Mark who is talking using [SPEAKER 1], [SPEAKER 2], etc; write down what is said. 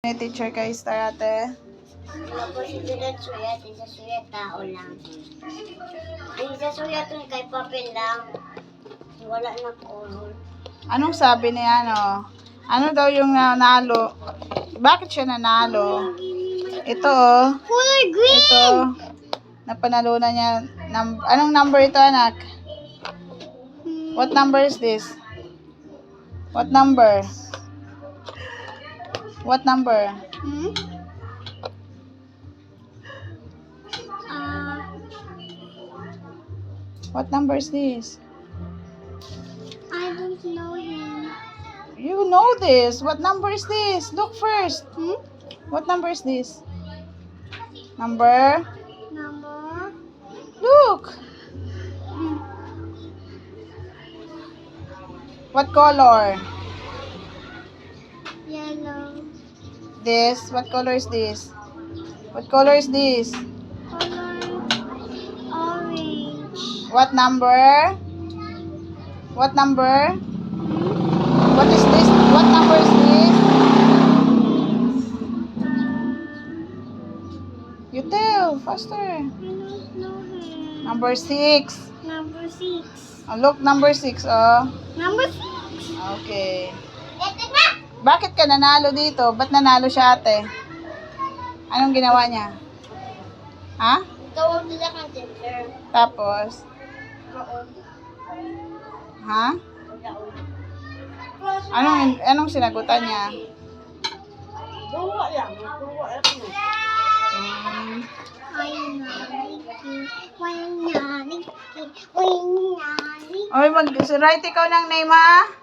[SPEAKER 1] May teacher kay Star ate.
[SPEAKER 2] Wala po si Direk Suyat, isa Suyat tao lang. Ang isa Suyat kay papel lang. Wala na color.
[SPEAKER 1] Anong sabi ni ano? Ano daw yung nanalo? Bakit siya nanalo? Ito oh.
[SPEAKER 2] Color green!
[SPEAKER 1] Ito. Napanalunan niya. Anong number ito anak? What number is this? What number? What number? What number is this?
[SPEAKER 2] I don't know him.
[SPEAKER 1] You know this. What number is this? Look first. What number is this? Number?
[SPEAKER 2] Number?
[SPEAKER 1] Look. What color?
[SPEAKER 2] Yellow.
[SPEAKER 1] This. What color is this? What color is this?
[SPEAKER 2] Color orange.
[SPEAKER 1] What number? What number? What is this? What number is this? You tell faster.
[SPEAKER 2] I don't know him.
[SPEAKER 1] Number 6.
[SPEAKER 2] Number 6.
[SPEAKER 1] Oh, look, number 6. Oh.
[SPEAKER 2] Number 6.
[SPEAKER 1] Okay. Bakit ka nanalo dito? Ba't nanalo siya ate? Anong ginawa niya? Ha?
[SPEAKER 2] Tawag nila kang teacher.
[SPEAKER 1] Tapos? Ha? Anong sinagutan niya?
[SPEAKER 2] Duwa lang. Duwa lang.
[SPEAKER 1] Oy, mag-write ikaw ng name ha?